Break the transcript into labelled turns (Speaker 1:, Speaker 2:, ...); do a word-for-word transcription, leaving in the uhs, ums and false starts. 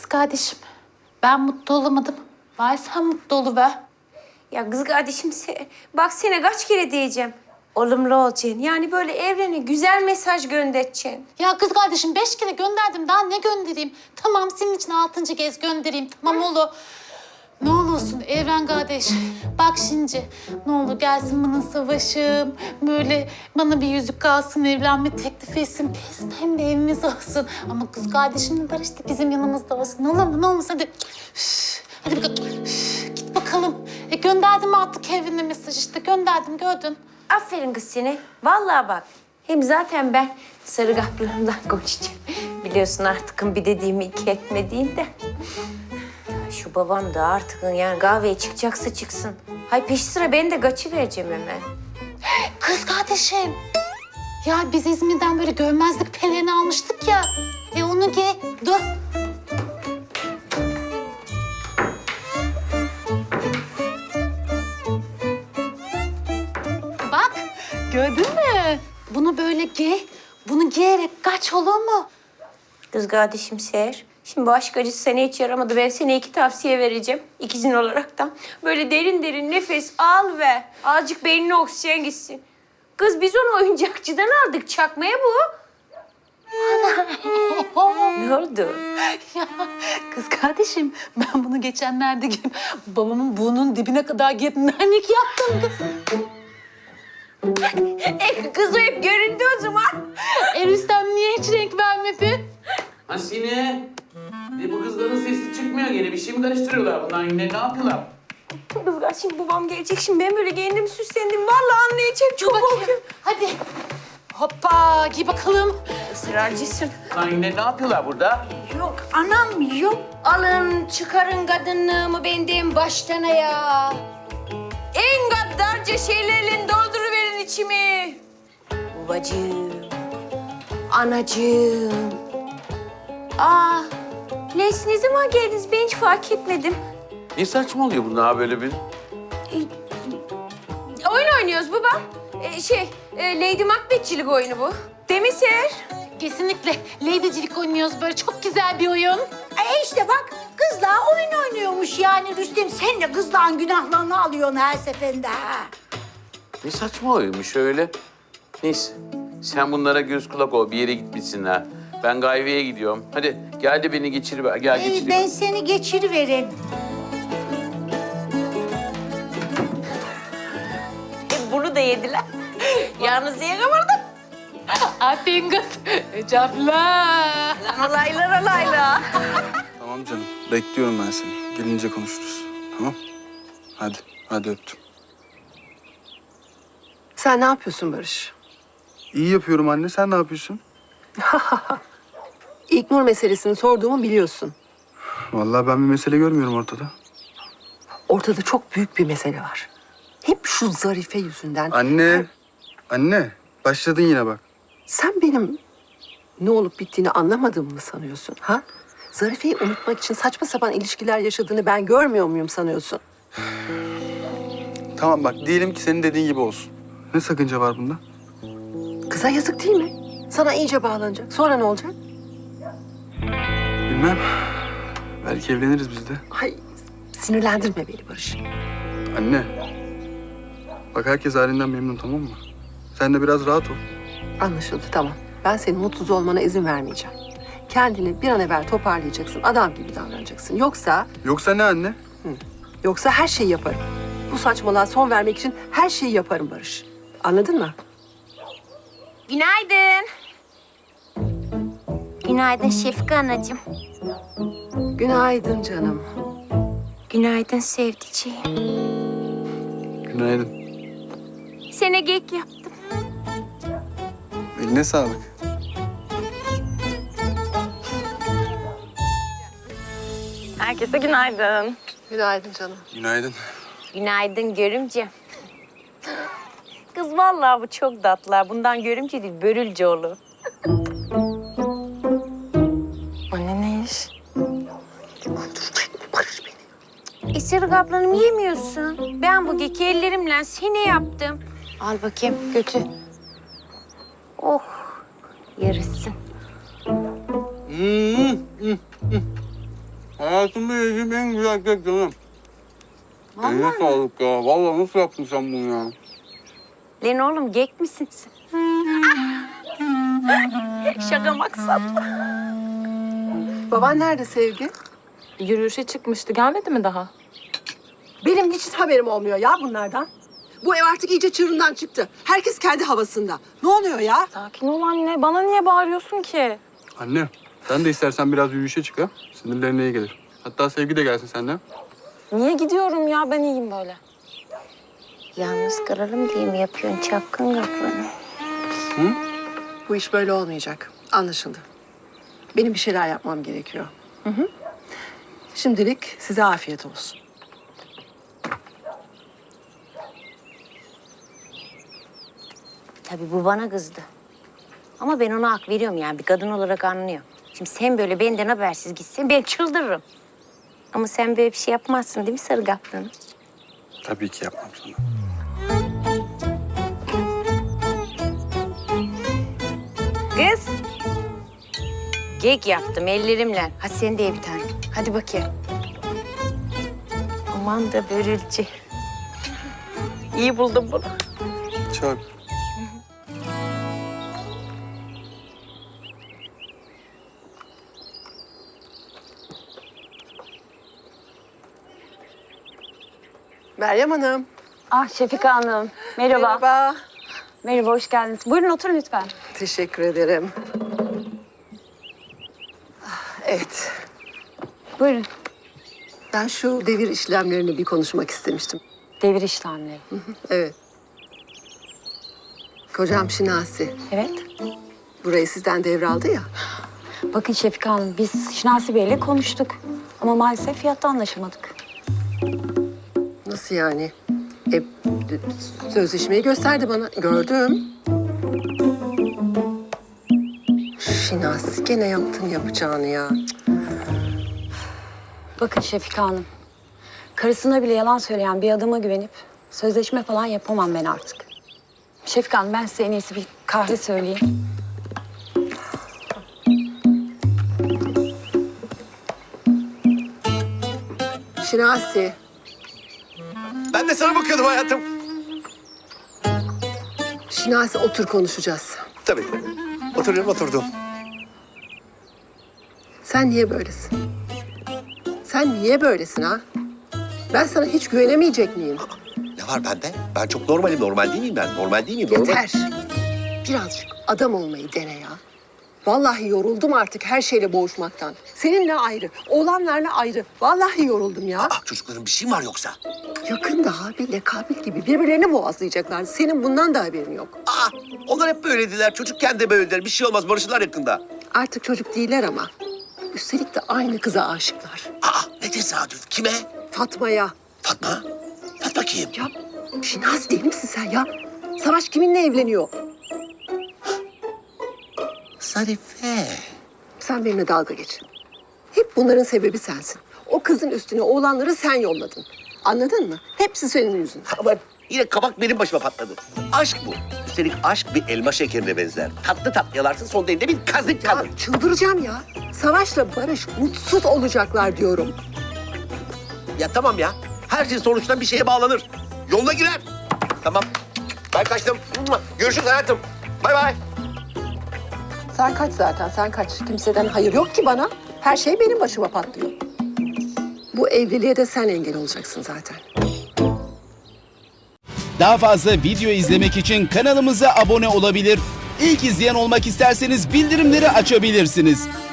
Speaker 1: kardeşim, ben mutlu olamadım. Bari sen mutlu oluver.
Speaker 2: Ya kız kardeşim se- bak sana kaç kere diyeceğim. Olumlu olacaksın. Yani böyle evrene güzel mesaj göndereceksin.
Speaker 1: Ya kız kardeşim beş kere gönderdim. Daha ne göndereyim? Tamam senin için altıncı kez göndereyim. Tamam oğlum. Ne olursun Evren kardeş. Bak şimdi ne olur gelsin bana savaşım. Böyle bana bir yüzük kalsın, evlenme teklif etsin. Biz hem de evimiz olsun. Ama kız kardeşimle Barış da bizim yanımızda olsun. Ne olur mu? Ne olmaz hadi. Üf, hadi bakalım. Üf, git bakalım. E, gönderdim artık evine mesaj işte. Gönderdim gördün.
Speaker 2: Aferin kız seni. Vallahi bak. Hem zaten ben sarı kaplarımdan konuşacağım. Biliyorsun artık bir dediğimi iki etmediğinde. Şu babam da artık yani kahveye çıkacaksa çıksın. Hay peş sıra ben de kaçı vereceğim hemen.
Speaker 1: Kız kardeşim. Ya biz İzmir'den böyle görmezlik pelerini almıştık ya. E onu giy. Dur. Bak gördün mü? Bunu böyle giy. Bunu giyerek kaç olur mu?
Speaker 2: Kız kardeşim Seher. Şimdi bu aşk acısı sana hiç yaramadı. Ben sana iki tavsiye vereceğim. İkizin olaraktan. Böyle derin derin nefes al ve azıcık beynine oksijen gitsin. Kız biz onu oyuncakçıdan aldık. Çakmaya bu. Ne oldu?
Speaker 1: Ya kız kardeşim ben bunu geçenlerde giyip babamın burnunun dibine kadar giyip nanik yaptım kız.
Speaker 2: E, kız o hep göründü o zaman.
Speaker 1: Eniştem niye hiç renk vermedi?
Speaker 3: Hasine, e bu kızların sesi çıkmıyor gene. Bir şey mi karıştırıyorlar bunlar yine? Ne yapıyorlar?
Speaker 2: Kız kardeşim babam gelecek. Şimdi ben böyle giyindim süslendim. Vallahi anlayacak. Çok korkuyorum.
Speaker 1: Hadi. Hoppa giy bakalım.
Speaker 2: Israrcısın.
Speaker 3: Lan yine ne yapıyorlar burada?
Speaker 2: Yok anam yok. Alın çıkarın kadınlığımı benden baştan ya. En gaddarca şeylerle dolduruverin içimi. Babacığım, anacığım. Aa, Leys ne zaman geldiniz? Ben hiç fark etmedim.
Speaker 3: Ne saçmalıyor bunlar böyle bir?
Speaker 2: Oyun oynuyoruz baba. Ee, şey, e, Lady Macbeth'çilik oyunu bu. Değil mi Seher?
Speaker 1: Kesinlikle ladycilik oynuyoruz böyle çok güzel bir oyun.
Speaker 4: E işte bak kızla oyun oynuyormuş yani Rüstem. Sen de kızların günahlarını alıyorsun her seferinde ha.
Speaker 3: Ne saçma oyunmuş öyle. Neyse, sen bunlara göz kulak ol. Bir yere gitmişsinler. Ben Gayve'ye gidiyorum. Hadi gel de beni geçiriver. Gel
Speaker 4: İyi
Speaker 3: geçireyim.
Speaker 4: ben seni geçiriverim.
Speaker 2: E, bunu da yediler. Yalnız yiyemem.
Speaker 1: Aferin kız. Ecafla.
Speaker 2: Alaylar alaylar.
Speaker 5: Tamam canım. Bekliyorum ben seni. Gelince konuşuruz. Tamam? Hadi. Hadi öptüm.
Speaker 6: Sen ne yapıyorsun Barış?
Speaker 5: İyi yapıyorum anne. Sen ne yapıyorsun?
Speaker 6: İlknur meselesini sorduğumu biliyorsun.
Speaker 5: Vallahi ben bir mesele görmüyorum ortada.
Speaker 6: Ortada çok büyük bir mesele var. Hep şu Zarife yüzünden.
Speaker 5: Anne. Anne. Başladın yine bak.
Speaker 6: Sen benim ne olup bittiğini anlamadığımı mı sanıyorsun? Ha? Zarife'yi unutmak için saçma sapan ilişkiler yaşadığını ben görmüyor muyum sanıyorsun?
Speaker 5: Tamam bak. Diyelim ki senin dediğin gibi olsun. Ne sakınca var bunda?
Speaker 6: Kıza yazık değil mi? Sana iyice bağlanacak. Sonra ne olacak?
Speaker 5: Bilmem. Belki evleniriz biz de.
Speaker 6: Ay sinirlendirme beni Barış.
Speaker 5: Anne. Bak herkes halinden memnun, tamam mı? Sen de biraz rahat ol.
Speaker 6: Anlaşıldı, tamam. Ben senin mutsuz olmana izin vermeyeceğim. Kendini bir an evvel toparlayacaksın. Adam gibi davranacaksın. Yoksa,
Speaker 5: Yoksa ne anne?
Speaker 6: yoksa her şeyi yaparım. Bu saçmalığa son vermek için her şeyi yaparım Barış. Anladın mı?
Speaker 2: Günaydın. Günaydın Şefika anacığım.
Speaker 6: Günaydın canım.
Speaker 2: Günaydın sevdiceğim.
Speaker 5: Günaydın.
Speaker 2: Sana kek yaptım.
Speaker 5: Eline sağlık.
Speaker 2: Herkese günaydın.
Speaker 6: Günaydın canım.
Speaker 5: Günaydın.
Speaker 2: Günaydın görümce. Kız vallahi bu çok tatlı. Bundan görümce değil, börülceoğlu.
Speaker 6: Anne ne iş? Barış beni.
Speaker 2: Isırık ablanım yemiyorsun. Ben bu keki ellerimle seni yaptım. Al bakayım, götür. Oh, yarısın.
Speaker 5: Hayatımda yediğim en güzel kek canım. Eline sağlık ya. Vallahi nasıl yaptın sen bunu ya?
Speaker 2: Lan oğlum gek misin sen? Şaka maksat.
Speaker 6: Baban nerede Sevgi?
Speaker 7: Yürüyüşe çıkmıştı. Gelmedi mi daha?
Speaker 6: Benim hiç haberim olmuyor ya bunlardan. Bu ev artık iyice çığırından çıktı. Herkes kendi havasında. Ne oluyor ya?
Speaker 7: Sakin ol anne. Bana niye bağırıyorsun ki?
Speaker 5: Anne, sen de istersen biraz yürüyüşe çık ha. Sinirlerine iyi gelir. Hatta Sevgi de gelsin seninle.
Speaker 7: Niye gidiyorum ya? Ben iyiyim böyle.
Speaker 2: Yalnız kalalım diye mi yapıyorsun çapkın kaplanı?
Speaker 6: Bu iş böyle olmayacak. Anlaşıldı. Benim bir şeyler yapmam gerekiyor. Hı hı. Şimdilik size afiyet olsun.
Speaker 2: Tabii bu bana kızdı. Ama ben ona hak veriyorum yani bir kadın olarak anlıyor. Şimdi sen böyle benden habersiz gitsen ben çıldırırım. Ama sen böyle bir şey yapmazsın değil mi sarı kaplanı?
Speaker 5: Tabii ki yapmam sana.
Speaker 2: Kız. Kek yaptım ellerimle. Hadi sen de ye bir tane. Hadi bakayım. Aman da börülce. İyi buldum bunu.
Speaker 5: Çok.
Speaker 6: Meryem Hanım.
Speaker 7: Ah Şefika Hanım. Merhaba.
Speaker 6: Merhaba.
Speaker 7: Merhaba, hoş geldiniz. Buyurun oturun lütfen.
Speaker 6: Teşekkür ederim. Ah, evet.
Speaker 7: Buyurun.
Speaker 6: Ben şu devir işlemlerini bir konuşmak istemiştim.
Speaker 7: Devir işlemleri.
Speaker 6: Evet. Kocam Şinasi.
Speaker 7: Evet.
Speaker 6: Burayı sizden devraldı ya.
Speaker 7: Bakın Şefika Hanım, biz Şinasi Bey'le konuştuk. Ama maalesef fiyatta anlaşamadık.
Speaker 6: Nasıl yani? E, sözleşmeyi gösterdi bana. Gördüm. Şinasi gene yaptın yapacağını ya.
Speaker 7: Bakın Şefika Hanım, karısına bile yalan söyleyen bir adama güvenip sözleşme falan yapamam ben artık. Şefika Hanım, ben size en iyisi bir kahve söyleyeyim.
Speaker 6: Şinasi.
Speaker 8: Ben de sana bakıyordum hayatım.
Speaker 6: Şinasi otur konuşacağız.
Speaker 8: Tabii. Oturuyorum, oturdum.
Speaker 6: Sen niye böylesin? Sen niye böylesin ha? Ben sana hiç güvenemeyecek miyim?
Speaker 8: Ne var bende? Ben çok normalim. Normal değil miyim ben? Normal değil miyim? Normal.
Speaker 6: Yeter. Birazcık adam olmayı dene ya. Vallahi yoruldum artık her şeyle boğuşmaktan. Seninle ayrı, oğlanlarla ayrı. Vallahi yoruldum ya.
Speaker 8: Aa, çocukların bir şey mi var yoksa?
Speaker 6: Yakında Habil'le Kabil gibi birbirlerini boğazlayacaklar. Senin bundan da haberin yok.
Speaker 8: Aa, onlar hep böylediler. Çocukken de böylediler. Bir şey olmaz. Barışırlar yakında.
Speaker 6: Artık çocuk değiller ama. Üstelik de aynı kıza aşıklar.
Speaker 8: Aa, ne tesadüf. Kime?
Speaker 6: Fatma'ya.
Speaker 8: Fatma. Fatma kim?
Speaker 6: Ya Şinasi değil misin sen ya? Savaş kiminle evleniyor?
Speaker 8: Zarife.
Speaker 6: Sen benimle dalga geç. Hep bunların sebebi sensin. O kızın üstüne oğlanları sen yolladın. Anladın mı? Hepsi senin yüzünden.
Speaker 8: Ama yine kabak benim başıma patladı. Aşk bu. Üstelik aşk bir elma şekerine benzer. Tatlı tatlı yalarsın, sonunda elinde bir kazık
Speaker 6: Ya
Speaker 8: kalır.
Speaker 6: çıldıracağım ya. Savaş'la Barış mutsuz olacaklar diyorum.
Speaker 8: Ya tamam ya. Her şey sonuçta bir şeye bağlanır. Yoluna girer. Tamam. Ben kaçtım. Görüşürüz hayatım. Bay bay.
Speaker 6: Sen kaç zaten, sen kaç. Kimseden hayır yok ki bana. Her şey benim başıma patlıyor. Bu evliliğe de sen engel olacaksın zaten.
Speaker 9: Daha fazla video izlemek için kanalımıza abone olabilir. İlk izleyen olmak isterseniz bildirimleri açabilirsiniz.